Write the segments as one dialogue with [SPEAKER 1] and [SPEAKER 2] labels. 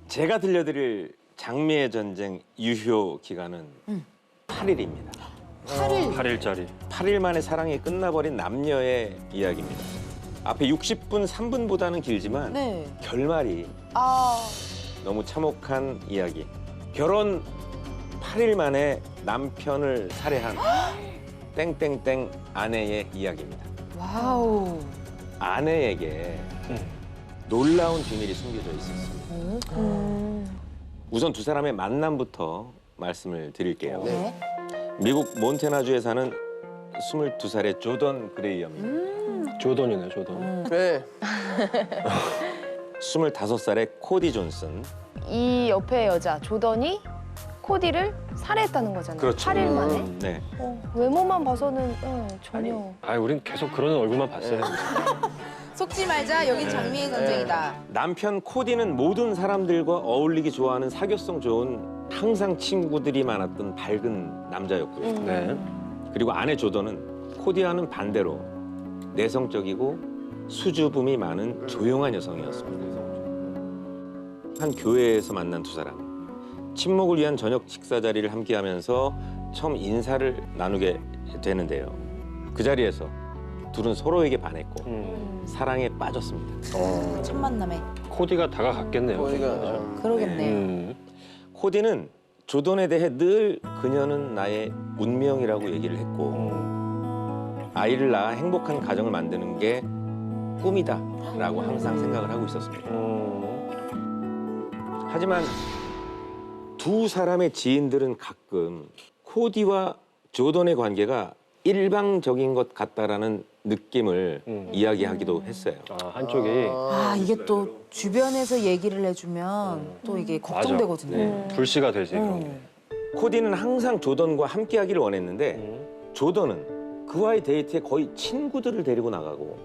[SPEAKER 1] 제가 들려드릴 장미의 전쟁 유효 기간은 8일입니다.
[SPEAKER 2] 8일.
[SPEAKER 3] 8일짜리.
[SPEAKER 1] 8일 만에 사랑이 끝나버린 남녀의 이야기입니다. 앞에 60분 3분보다는 길지만
[SPEAKER 2] 네.
[SPEAKER 1] 결말이
[SPEAKER 2] 아,
[SPEAKER 1] 너무 참혹한 이야기. 결혼 8일 만에 남편을 살해한 땡땡땡 아내의 이야기입니다.
[SPEAKER 2] 와우.
[SPEAKER 1] 아내에게 놀라운 비밀이 숨겨져 있었습니다. 우선 두 사람의 만남부터 말씀을 드릴게요.
[SPEAKER 2] 네.
[SPEAKER 1] 미국 몬태나주에 사는 22살의 조던 그레이엄입니다.
[SPEAKER 3] 조던이네, 조던.
[SPEAKER 4] 네.
[SPEAKER 1] 25살의 코디 존슨.
[SPEAKER 5] 이 옆에 여자 조던이 코디를 살해했다는 거잖아요.
[SPEAKER 1] 그렇죠.
[SPEAKER 5] 8일 만에.
[SPEAKER 1] 네.
[SPEAKER 5] 외모만 봐서는 전혀.
[SPEAKER 3] 우린 계속 그런 얼굴만 봤어요.
[SPEAKER 2] 속지 말자. 여긴 장미의 전쟁이다.
[SPEAKER 1] 남편 코디는 모든 사람들과 어울리기 좋아하는 사교성 좋은 항상 친구들이 많았던 밝은 남자였고요.
[SPEAKER 3] 네.
[SPEAKER 1] 그리고 아내 조던은 코디와는 반대로 내성적이고 수줍음이 많은 조용한 여성이었습니다. 한 교회에서 만난 두 사람. 친목을 위한 저녁 식사 자리를 함께하면서 처음 인사를 나누게 되는데요. 그 자리에서 둘은 서로에게 반했고 사랑에 빠졌습니다.
[SPEAKER 2] 첫 만남에.
[SPEAKER 3] 코디가 다가갔겠네요.
[SPEAKER 4] 거기가
[SPEAKER 2] 그러겠네요.
[SPEAKER 1] 코디는 조던에 대해 늘 그녀는 나의 운명이라고 얘기를 했고 아이를 낳아 행복한 가정을 만드는 게 꿈이다라고 항상 생각을 하고 있었습니다. 하지만 두 사람의 지인들은 가끔 코디와 조던의 관계가 일방적인 것 같다라는 느낌을 이야기하기도 했어요.
[SPEAKER 3] 한쪽이.
[SPEAKER 2] 아, 이게 또 주변에서 얘기를 해주면 또 이게 걱정되거든요.
[SPEAKER 1] 네.
[SPEAKER 3] 불씨가 되지, 그런 게.
[SPEAKER 1] 코디는 항상 조던과 함께하기를 원했는데 조던은 그와의 데이트에 거의 친구들을 데리고 나가고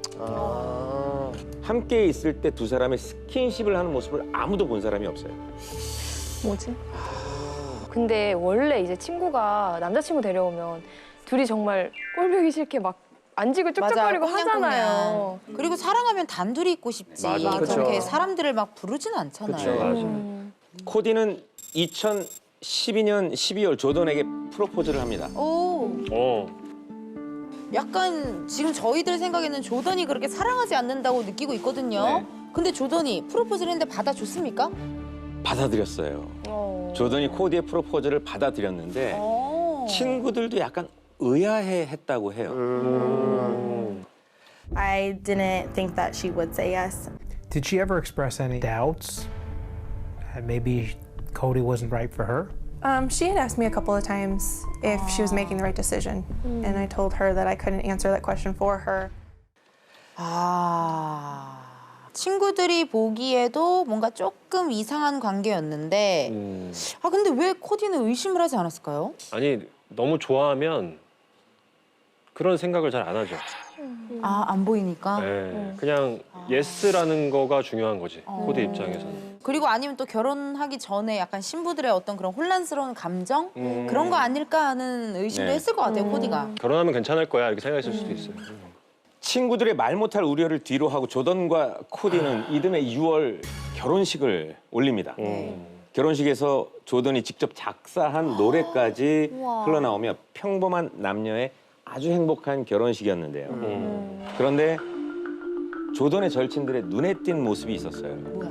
[SPEAKER 1] 함께 있을 때 두 사람의 스킨십을 하는 모습을 아무도 본 사람이 없어요.
[SPEAKER 5] 뭐지? 근데 원래 이제 친구가 남자친구 데려오면 둘이 정말 꼴보기 싫게 막 안지고 쭉쭉거리고 하잖아요.
[SPEAKER 2] 그리고 사랑하면 단둘이 있고 싶지.
[SPEAKER 3] 맞아.
[SPEAKER 2] 그렇게
[SPEAKER 4] 그쵸.
[SPEAKER 2] 사람들을 막 부르진 않잖아요.
[SPEAKER 3] 그쵸, 맞아.
[SPEAKER 1] 코디는 2012년 12월 조던에게 프로포즈를 합니다.
[SPEAKER 2] 오,
[SPEAKER 3] 어.
[SPEAKER 2] 약간 지금 저희들 생각에는 조던이 그렇게 사랑하지 않는다고 느끼고 있거든요.
[SPEAKER 1] 네.
[SPEAKER 2] 근데 조던이 프로포즈를 했는데 받아줬습니까?
[SPEAKER 1] 받아들였어요. 조던이 코디의 프로포즈를 받아들였는데 친구들도 약간 의아해했다고 해요.
[SPEAKER 6] I didn't think that she would say yes.
[SPEAKER 7] Did she ever express any doubts? That maybe Cody wasn't right for her?
[SPEAKER 6] She had asked me a couple of times if she was making the right decision, and I told her that I couldn't answer that question for her.
[SPEAKER 2] 아, 친구들이 보기에도 뭔가 조금 이상한 관계였는데 아, 근데 왜 코디는 의심을 하지 않았을까요?
[SPEAKER 3] 아니, 너무 좋아하면 그런 생각을 잘 안 하죠.
[SPEAKER 2] 아, 안 보이니까?
[SPEAKER 3] 네. 그냥 예스라는 거가 중요한 거지, 코디 입장에서는.
[SPEAKER 2] 그리고 아니면 또 결혼하기 전에 약간 신부들의 어떤 그런 혼란스러운 감정? 그런 거 아닐까 하는 의심도
[SPEAKER 1] 네.
[SPEAKER 2] 했을 것 같아요, 코디가.
[SPEAKER 3] 결혼하면 괜찮을 거야, 이렇게 생각했을 수도 있어요.
[SPEAKER 1] 친구들의 말 못할 우려를 뒤로 하고 조던과 코디는 이듬해 6월 결혼식을 올립니다. 결혼식에서 조던이 직접 작사한 노래까지
[SPEAKER 2] 우와.
[SPEAKER 1] 흘러나오며 평범한 남녀의 아주 행복한 결혼식이었는데요. 그런데 조던의 절친들의 눈에 띈 모습이 있었어요.
[SPEAKER 2] 뭐야?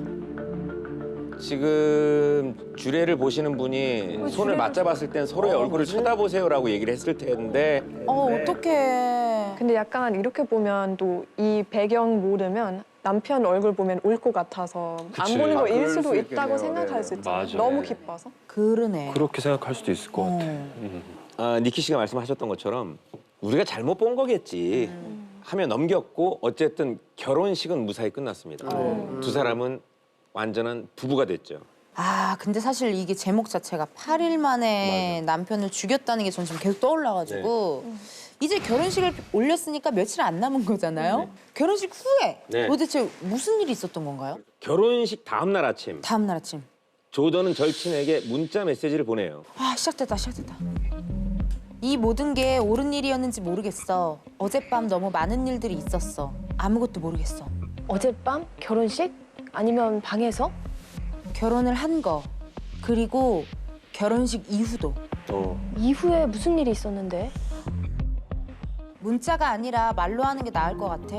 [SPEAKER 1] 지금 주례를 보시는 분이 손을 맞잡았을 땐 서로의 얼굴을 쳐다보세요라고 얘기를 했을 텐데
[SPEAKER 2] 어떡해.
[SPEAKER 5] 근데 약간 이렇게 보면 또 이 배경 모르면 남편 얼굴 보면 울 것 같아서
[SPEAKER 3] 그치.
[SPEAKER 5] 안 보는
[SPEAKER 4] 아,
[SPEAKER 5] 거일
[SPEAKER 4] 그럴
[SPEAKER 5] 수도
[SPEAKER 4] 수
[SPEAKER 5] 있다고
[SPEAKER 4] 있겠네요.
[SPEAKER 5] 생각할
[SPEAKER 4] 네.
[SPEAKER 5] 수 있잖아요.
[SPEAKER 3] 맞아.
[SPEAKER 5] 너무
[SPEAKER 3] 네.
[SPEAKER 5] 기뻐서.
[SPEAKER 2] 그러네.
[SPEAKER 3] 그렇게 생각할 수도 있을 것 같아.
[SPEAKER 1] 니키 씨가 말씀하셨던 것처럼 우리가 잘못 본 거겠지 하며 넘겼고 어쨌든 결혼식은 무사히 끝났습니다. 두 사람은 완전한 부부가 됐죠.
[SPEAKER 2] 아, 근데 사실 이게 제목 자체가 8일 만에 남편을 죽였다는 게 전 지금 계속 떠올라가지고 이제 결혼식을 올렸으니까 며칠 안 남은 거잖아요. 결혼식 후에
[SPEAKER 1] 네.
[SPEAKER 2] 도대체 무슨 일이 있었던 건가요?
[SPEAKER 1] 결혼식 다음 날 아침
[SPEAKER 2] 다음 날 아침.
[SPEAKER 1] 조던은 절친에게 문자 메시지를 보내요.
[SPEAKER 2] 아, 시작됐다. 이 모든 게 옳은 일이었는지 모르겠어. 어젯밤 너무 많은 일들이 있었어. 아무것도 모르겠어.
[SPEAKER 5] 어젯밤? 결혼식? 아니면 방에서?
[SPEAKER 2] 결혼을 한 거, 그리고 결혼식 이후도.
[SPEAKER 4] 이후에 무슨 일이 있었는데?
[SPEAKER 2] 문자가 아니라 말로 하는 게 나을 것 같아.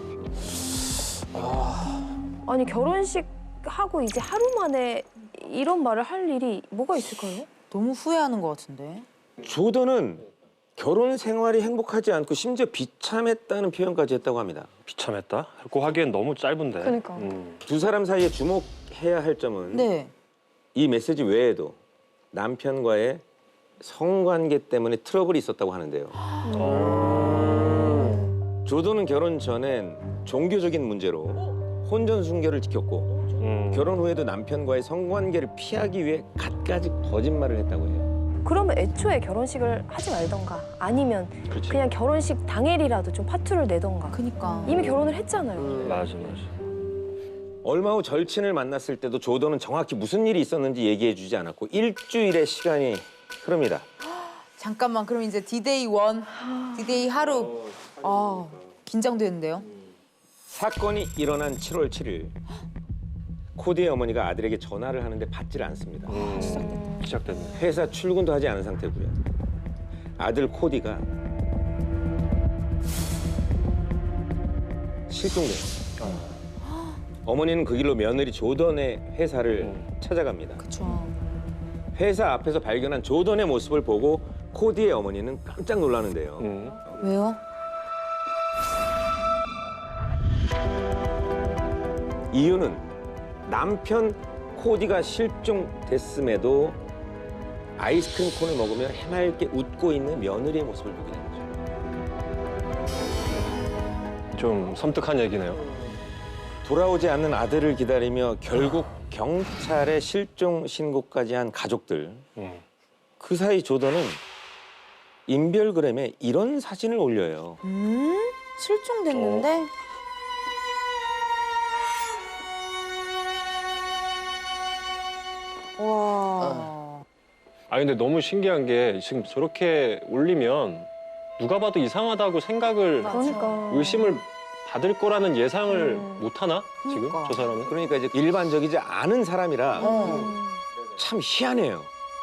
[SPEAKER 4] 아니 결혼식 하고 이제 하루 만에 이런 말을 할 일이 뭐가 있을까요?
[SPEAKER 2] 너무 후회하는 것 같은데.
[SPEAKER 1] 조던은 결혼 생활이 행복하지 않고 심지어 비참했다는 표현까지 했다고 합니다.
[SPEAKER 3] 비참했다? 고 하기엔 너무 짧은데.
[SPEAKER 5] 그러니까.
[SPEAKER 1] 두 사람 사이에 주목해야 할 점은
[SPEAKER 2] 네.
[SPEAKER 1] 이 메시지 외에도 남편과의 성관계 때문에 트러블이 있었다고 하는데요. 조던은 결혼 전엔 종교적인 문제로 혼전 순결을 지켰고 결혼 후에도 남편과의 성관계를 피하기 위해 갖가지 거짓말을 했다고 해요.
[SPEAKER 4] 그러면 애초에 결혼식을 하지 말던가 아니면
[SPEAKER 1] 그렇지.
[SPEAKER 4] 그냥 결혼식 당일이라도 좀 파투를 내던가.
[SPEAKER 2] 그니까.
[SPEAKER 4] 이미 결혼을 했잖아요.
[SPEAKER 3] 맞아.
[SPEAKER 1] 얼마 후 절친을 만났을 때도 조던은 정확히 무슨 일이 있었는지 얘기해주지 않았고 일주일의 시간이 흐릅니다.
[SPEAKER 2] 잠깐만, 그럼 이제 디데이 1, 디데이 하루. 아, 긴장되는데요.
[SPEAKER 1] 사건이 일어난 7월 7일 코디의 어머니가 아들에게 전화를 하는데 받지를 않습니다.
[SPEAKER 3] 시작됐네.
[SPEAKER 1] 회사 출근도 하지 않은 상태고요. 아들 코디가 실종돼요. 어머니는 그 길로 며느리 조던의 회사를 찾아갑니다.
[SPEAKER 2] 그쵸.
[SPEAKER 1] 회사 앞에서 발견한 조던의 모습을 보고 코디의 어머니는 깜짝 놀라는데요.
[SPEAKER 2] 왜요?
[SPEAKER 1] 이유는 남편 코디가 실종됐음에도 아이스크림 콘을 먹으며 해맑게 웃고 있는 며느리의 모습을 보게 된 거죠.
[SPEAKER 3] 좀 섬뜩한 얘기네요.
[SPEAKER 1] 돌아오지 않는 아들을 기다리며 결국 경찰에 실종 신고까지 한 가족들. 그 사이 조던은 인별그램에 이런 사진을 올려요.
[SPEAKER 2] 실종됐는데? 와.
[SPEAKER 3] 아 근데 너무 신기한 게 지금 저렇게 올리면 누가 봐도 이상하다고 생각을
[SPEAKER 4] 그러니까.
[SPEAKER 3] 의심을 받을 거라는 예상을 못 하나 지금
[SPEAKER 2] 그러니까.
[SPEAKER 3] 저 사람은?
[SPEAKER 1] 그러니까 이제 일반적이지 않은 사람이라
[SPEAKER 2] 어.
[SPEAKER 1] 참 희한해요.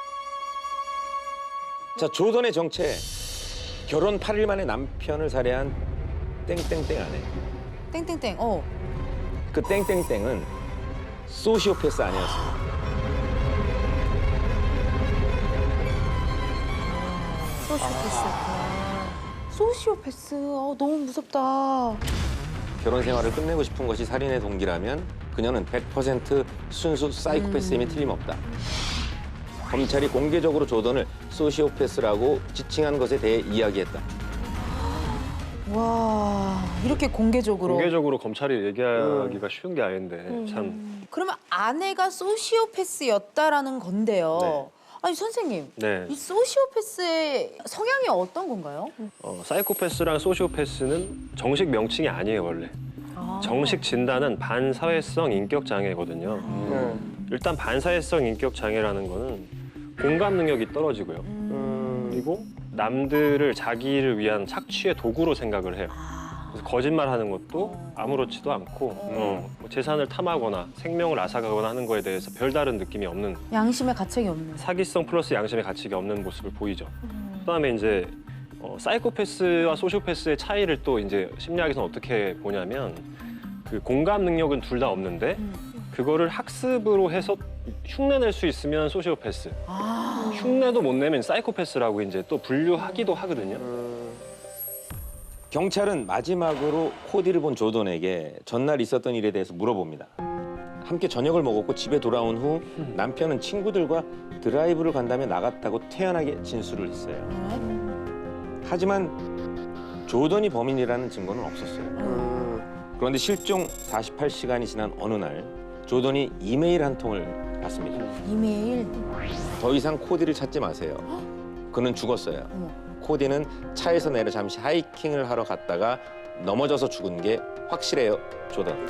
[SPEAKER 1] 자, 조던의 정체. 결혼 8일 만에 남편을 살해한 땡땡땡 아내.
[SPEAKER 2] 땡땡땡. 어.
[SPEAKER 1] 그 땡땡땡은 소시오패스 아내였습니다.
[SPEAKER 2] 소시오패스. 너무 무섭다.
[SPEAKER 1] 결혼 생활을 끝내고 싶은 것이 살인의 동기라면 그녀는 100% 순수 사이코패스임이 틀림없다. 검찰이 공개적으로 조던을 소시오패스라고 지칭한 것에 대해 이야기했다.
[SPEAKER 2] 와, 이렇게 공개적으로.
[SPEAKER 3] 공개적으로 검찰이 얘기하기가 쉬운 게 아닌데 참.
[SPEAKER 2] 그러면 아내가 소시오패스였다라는 건데요.
[SPEAKER 3] 네.
[SPEAKER 2] 아니 선생님,
[SPEAKER 3] 네.
[SPEAKER 2] 이 소시오패스의 성향이 어떤 건가요?
[SPEAKER 3] 사이코패스랑 소시오패스는 정식 명칭이 아니에요 원래. 정식 진단은 반사회성 인격 장애거든요. 일단 반사회성 인격 장애라는 거는 공감 능력이 떨어지고요. 그리고 남들을 자기를 위한 착취의 도구로 생각을 해요. 그래서 거짓말하는 것도 아무렇지도 않고 뭐 재산을 탐하거나 생명을 앗아가거나 하는 거에 대해서 별다른 느낌이 없는
[SPEAKER 2] 양심의 가책이 없는.
[SPEAKER 3] 사기성 플러스 양심의 가치가 없는 모습을 보이죠. 그다음에 이제 사이코패스와 소시오패스의 차이를 또 이제 심리학에서는 어떻게 보냐면 그 공감 능력은 둘 다 없는데 그거를 학습으로 해서 흉내낼 수 있으면 소시오패스, 흉내도 못 내면 사이코패스라고 이제 또 분류하기도 하거든요.
[SPEAKER 1] 경찰은 마지막으로 코디를 본 조던에게 전날 있었던 일에 대해서 물어봅니다. 함께 저녁을 먹었고 집에 돌아온 후 남편은 친구들과 드라이브를 간다며 나갔다고 태연하게 진술을 했어요. 하지만 조던이 범인이라는 증거는 없었어요. 그런데 실종 48시간이 지난 어느 날 조던이 이메일 한 통을 받습니다.
[SPEAKER 2] 이메일.
[SPEAKER 1] 더 이상 코디를 찾지 마세요. 그는 죽었어요. 코디는 차에서 내려 잠시 하이킹을 하러 갔다가 넘어져서 죽은 게 확실해요, 조던.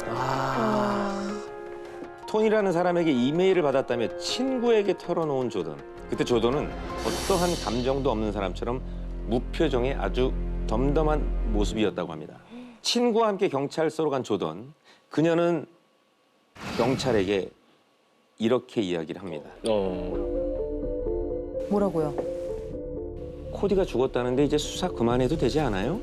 [SPEAKER 1] 톤이라는 사람에게 이메일을 받았다며 친구에게 털어놓은 조던. 그때 조던은 어떠한 감정도 없는 사람처럼 무표정의 아주 덤덤한 모습이었다고 합니다. 친구와 함께 경찰서로 간 조던. 그녀는 경찰에게 이렇게 이야기를 합니다.
[SPEAKER 2] 뭐라고요?
[SPEAKER 1] 코디가 죽었다는데 이제 수사 그만해도 되지 않아요?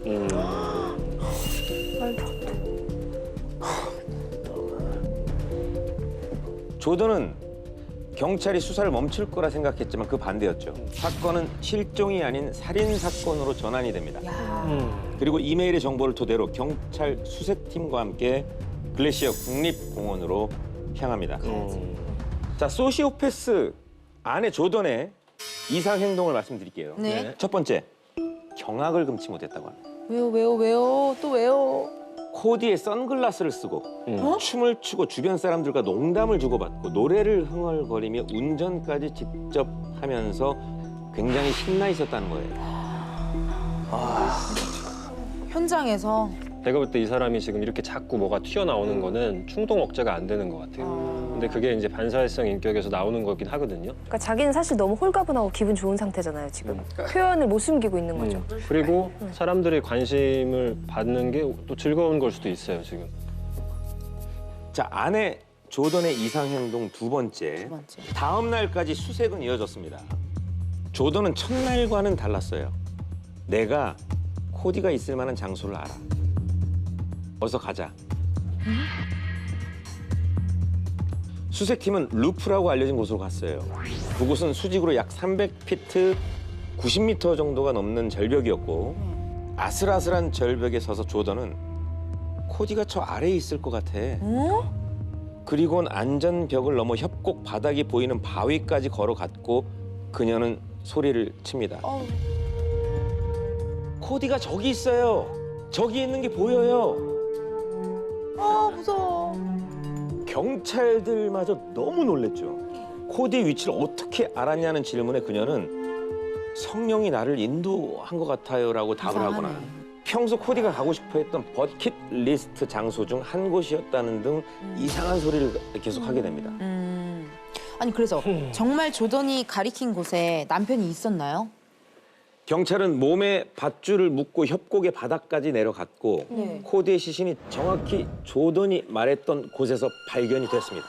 [SPEAKER 1] 조던은 경찰이 수사를 멈출 거라 생각했지만 그 반대였죠. 사건은 실종이 아닌 살인 사건으로 전환이 됩니다. 그리고 이메일의 정보를 토대로 경찰 수색팀과 함께 글래시어 국립공원으로 향합니다. 자, 소시오패스 아내 조던의 이상 행동을 말씀드릴게요.
[SPEAKER 2] 네.
[SPEAKER 1] 첫 번째, 경악을 금치 못했다고 합니다.
[SPEAKER 2] 왜요? 또 왜요?
[SPEAKER 1] 코디에 선글라스를 쓰고 춤을 추고 주변 사람들과 농담을 주고받고 노래를 흥얼거리며 운전까지 직접 하면서 굉장히 신나 있었다는 거예요.
[SPEAKER 2] 현장에서
[SPEAKER 3] 내가 볼 때 이 사람이 지금 이렇게 자꾸 뭐가 튀어나오는 거는 충동 억제가 안 되는 것 같아요. 근데 그게 이제 반사회성 인격에서 나오는 거긴 하거든요.
[SPEAKER 4] 그러니까 자기는 사실 너무 홀가분하고 기분 좋은 상태잖아요, 지금. 표현을 못 숨기고 있는 거죠.
[SPEAKER 3] 그리고 사람들의 관심을 받는 게 또 즐거운 걸 수도 있어요, 지금.
[SPEAKER 1] 자, 아내 조던의 이상 행동 두 번째. 다음 날까지 수색은 이어졌습니다. 조던은 첫날과는 달랐어요. 내가 코디가 있을 만한 장소를 알아. 어서 가자. 수색팀은 루프라고 알려진 곳으로 갔어요. 그곳은 수직으로 약 300피트, 90m 정도가 넘는 절벽이었고 아슬아슬한 절벽에 서서 조던은 코디가 저 아래에 있을 것 같아. 그리고는 안전벽을 넘어 협곡 바닥이 보이는 바위까지 걸어갔고 그녀는 소리를 칩니다. 코디가 저기 있어요. 저기 있는 게 보여요.
[SPEAKER 2] 아, 무서워.
[SPEAKER 1] 경찰들마저 너무 놀랬죠. 코디의 위치를 어떻게 알았냐는 질문에 그녀는 성령이 나를 인도한 것 같아요라고 답을
[SPEAKER 2] 이상하네.
[SPEAKER 1] 하거나 평소 코디가 가고 싶어했던 버킷리스트 장소 중 한 곳이었다는 등 이상한 소리를 계속하게 됩니다.
[SPEAKER 2] 아니 그래서 정말 조던이 가리킨 곳에 남편이 있었나요?
[SPEAKER 1] 경찰은 몸에 밧줄을 묶고 협곡의 바닥까지 내려갔고
[SPEAKER 2] 네.
[SPEAKER 1] 코디의 시신이 정확히 조던이 말했던 곳에서 발견이 됐습니다.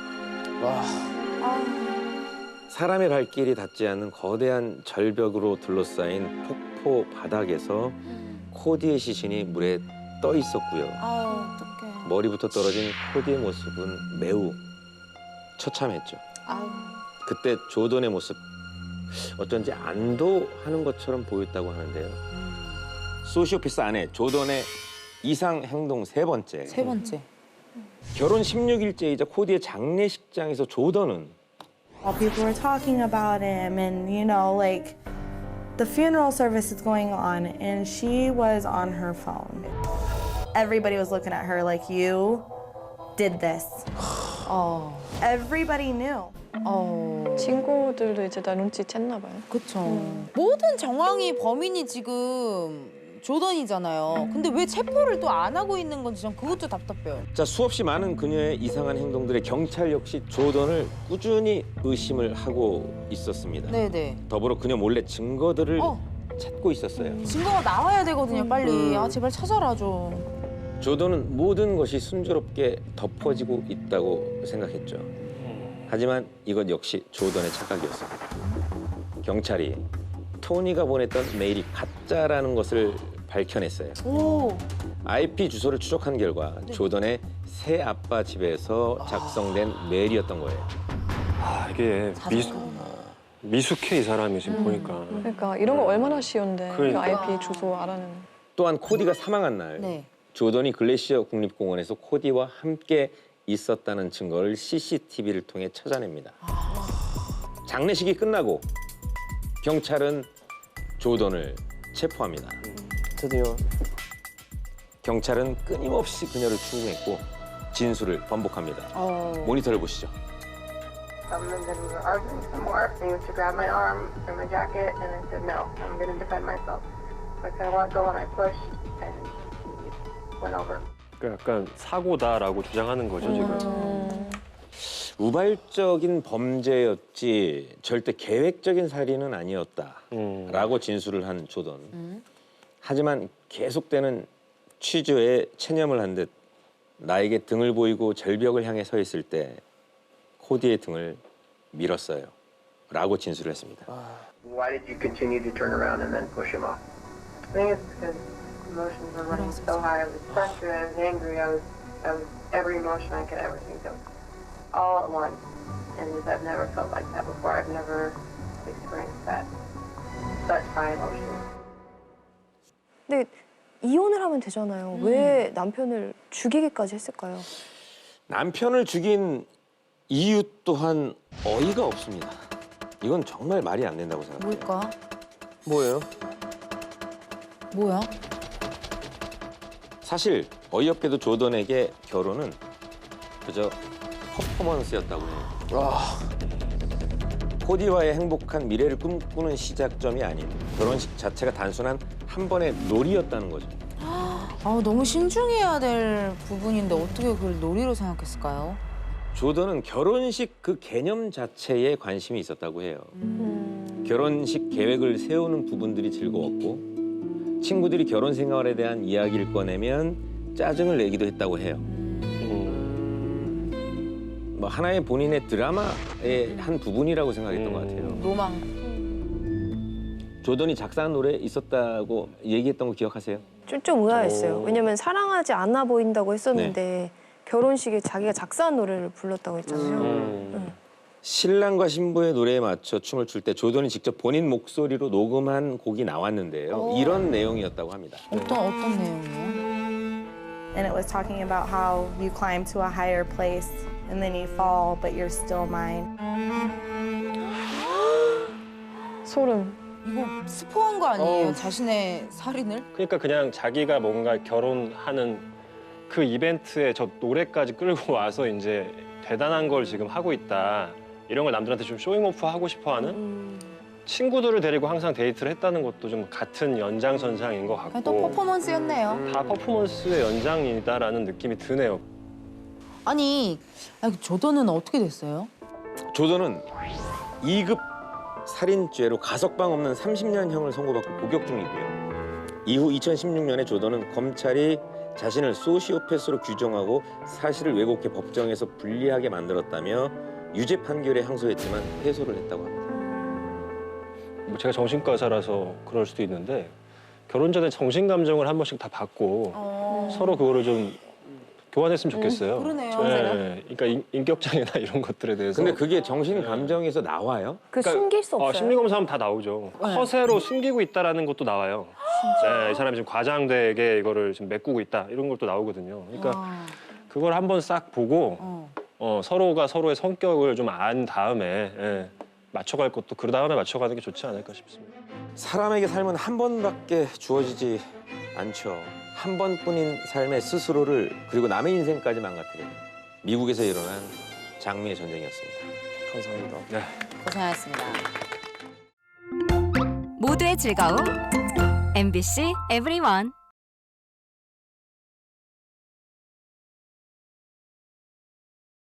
[SPEAKER 1] 사람의 발길이 닿지 않는 거대한 절벽으로 둘러싸인 폭포 바닥에서 코디의 시신이 물에 떠 있었고요.
[SPEAKER 2] 아유, 어떡해.
[SPEAKER 1] 머리부터 떨어진 코디의 모습은 매우 처참했죠.
[SPEAKER 2] 아유.
[SPEAKER 1] 그때 조던의 모습 어쩐지 안도하는 것처럼 보였다고 하는데요. 소시오패스 아내 조던의 이상 행동 세 번째.
[SPEAKER 2] 세 번째.
[SPEAKER 1] 결혼 16일째이자 코디의 장례식장에서 조던은
[SPEAKER 8] While people were talking about him and, you know, like, the funeral service is going on and she was on her phone. Everybody was looking at her like, you did this. Everybody knew.
[SPEAKER 5] 친구들도 이제 다 눈치챘나 봐요.
[SPEAKER 2] 그쵸. 모든 정황이 범인이 지금 조던이잖아요. 근데 왜 체포를 또 안 하고 있는 건지 전 그것도 답답해요.
[SPEAKER 1] 자, 수없이 많은 그녀의 이상한 행동들에 경찰 역시 조던을 꾸준히 의심을 하고 있었습니다.
[SPEAKER 2] 네네.
[SPEAKER 1] 더불어 그녀 몰래 증거들을 찾고 있었어요.
[SPEAKER 2] 증거가 나와야 되거든요, 빨리. 아, 제발 찾아라 좀.
[SPEAKER 1] 조던은 모든 것이 순조롭게 덮어지고 있다고 생각했죠. 하지만 이것 역시 조던의 착각이었습니다. 경찰이 토니가 보냈던 메일이 가짜라는 것을 밝혀냈어요. IP 주소를 추적한 결과 조던의 새 아빠 집에서 작성된 메일이었던 거예요.
[SPEAKER 3] 아, 이게 미숙해, 이 사람이 지금 보니까.
[SPEAKER 5] 그러니까 이런 거 얼마나 쉬운데
[SPEAKER 3] 그러니까.
[SPEAKER 5] IP 주소 알아는.
[SPEAKER 1] 또한 코디가 사망한 날
[SPEAKER 2] 네.
[SPEAKER 1] 조던이 글래시어 국립공원에서 코디와 함께 있었다는 증거를 CCTV를 통해 찾아냅니다. 장례식이 끝나고 경찰은 조던을 체포합니다.
[SPEAKER 9] 드디어.
[SPEAKER 1] 경찰은 끊임없이 그녀를 추궁했고 진술을 번복합니다. 모니터를 보시죠.
[SPEAKER 10] And then we were arguing some more. And he went to grab my arm and my jacket, and I said, no, I'm going to defend myself. So I said, I want to go, and I pushed, and he went over.
[SPEAKER 3] 그러니까 약간 사고다라고 주장하는 거죠, 지금.
[SPEAKER 1] 우발적인 범죄였지 절대 계획적인 살인은 아니었다라고 진술을 한 조던. 하지만 계속되는 취조에 체념을 한 듯 나에게 등을 보이고 절벽을 향해 서 있을 때 코디의 등을 밀었어요. 라고 진술을 했습니다.
[SPEAKER 10] Why did you continue to turn around and then push him off? I think it's because emotions were running so high. I was frustrated, I was angry, I was every emotion I could ever think of, all at once. And I've never felt like that before. I've never experienced that, such high emotions.
[SPEAKER 4] 근데 이혼을 하면 되잖아요. 왜 남편을 죽이기까지 했을까요?
[SPEAKER 1] 남편을 죽인 이유 또한 어이가 없습니다. 이건 정말 말이 안 된다고 생각해요.
[SPEAKER 2] 뭘까?
[SPEAKER 9] 뭐예요?
[SPEAKER 2] 뭐야?
[SPEAKER 1] 사실 어이없게도 조던에게 결혼은 그저 퍼포먼스였다고 해요. 코디와의 행복한 미래를 꿈꾸는 시작점이 아닌 결혼식 자체가 단순한 한 번의 놀이였다는 거죠.
[SPEAKER 2] 너무 신중해야 될 부분인데 어떻게 그걸 놀이로 생각했을까요?
[SPEAKER 1] 조던은 결혼식 그 개념 자체에 관심이 있었다고 해요. 결혼식 계획을 세우는 부분들이 즐거웠고 친구들이 결혼 생활에 대한 이야기를 꺼내면 짜증을 내기도 했다고 해요. 뭐 하나의 본인의 드라마의 한 부분이라고 생각했던 것 같아요.
[SPEAKER 2] 로망.
[SPEAKER 1] 조던이 작사한 노래 있었다고 얘기했던 거 기억하세요?
[SPEAKER 4] 좀 의아했어요. 왜냐면 사랑하지 않아 보인다고 했었는데 결혼식에 자기가 작사한 노래를 불렀다고 했잖아요.
[SPEAKER 1] 신랑과 신부의 노래에 맞춰 춤을 출 때 조던이 직접 본인 목소리로 녹음한 곡이 나왔는데요. 이런 내용이었다고 합니다.
[SPEAKER 2] 어떤 내용이에요?
[SPEAKER 8] And it was talking about how you climb to a higher place and then you fall, but you're still mine.
[SPEAKER 5] 소름.
[SPEAKER 2] 이거 스포한 거 아니에요? 자신의 살인을?
[SPEAKER 3] 그러니까 그냥 자기가 뭔가 결혼하는 그 이벤트에 저 노래까지 끌고 와서 이제 대단한 걸 지금 하고 있다. 이런 걸 남들한테 좀 쇼잉오프 하고 싶어하는 친구들을 데리고 항상 데이트를 했다는 것도 좀 같은 연장선상인 것
[SPEAKER 2] 그냥 또
[SPEAKER 3] 같고
[SPEAKER 2] 퍼포먼스였네요.
[SPEAKER 3] 다 퍼포먼스의 연장이다라는 느낌이 드네요.
[SPEAKER 2] 아니 조던은 어떻게 됐어요?
[SPEAKER 1] 조던은 2급 살인죄로 가석방 없는 30년형을 선고받고 복역 중이고요. 이후 2016년에 조던은 검찰이 자신을 소시오패스로 규정하고 사실을 왜곡해 법정에서 불리하게 만들었다며 유죄 판결에 항소했지만 패소를 했다고 합니다.
[SPEAKER 3] 뭐 제가 정신과사라서 그럴 수도 있는데 결혼 전에 정신 감정을 한 번씩 다 받고 서로 그거를 좀 교환했으면 좋겠어요.
[SPEAKER 2] 그러네요.
[SPEAKER 3] 네, 그러니까 인격장애나 이런 것들에 대해서.
[SPEAKER 1] 근데 그게 정신 감정에서 나와요?
[SPEAKER 4] 그러니까 숨길 수 없어요.
[SPEAKER 3] 심리 검사하면 다 나오죠. 허세로 숨기고 있다라는 것도 나와요. 네, 이 사람이 지금 과장되게 이거를 지금 메꾸고 있다 이런 것도 나오거든요. 그러니까 그걸 한번 싹 보고 서로가 서로의 성격을 좀 안 다음에 맞춰갈 것도 그 다음에 맞춰가는 게 좋지 않을까 싶습니다.
[SPEAKER 1] 사람에게 삶은 한 번밖에 주어지지 않죠. 한 번뿐인 삶의 스스로를 그리고 남의 인생까지 망가뜨리는 미국에서 일어난 장미의 전쟁이었습니다.
[SPEAKER 9] 감사합니다.
[SPEAKER 3] 네.
[SPEAKER 2] 고생하셨습니다.
[SPEAKER 11] 모두의 즐거움 MBC EVERYONE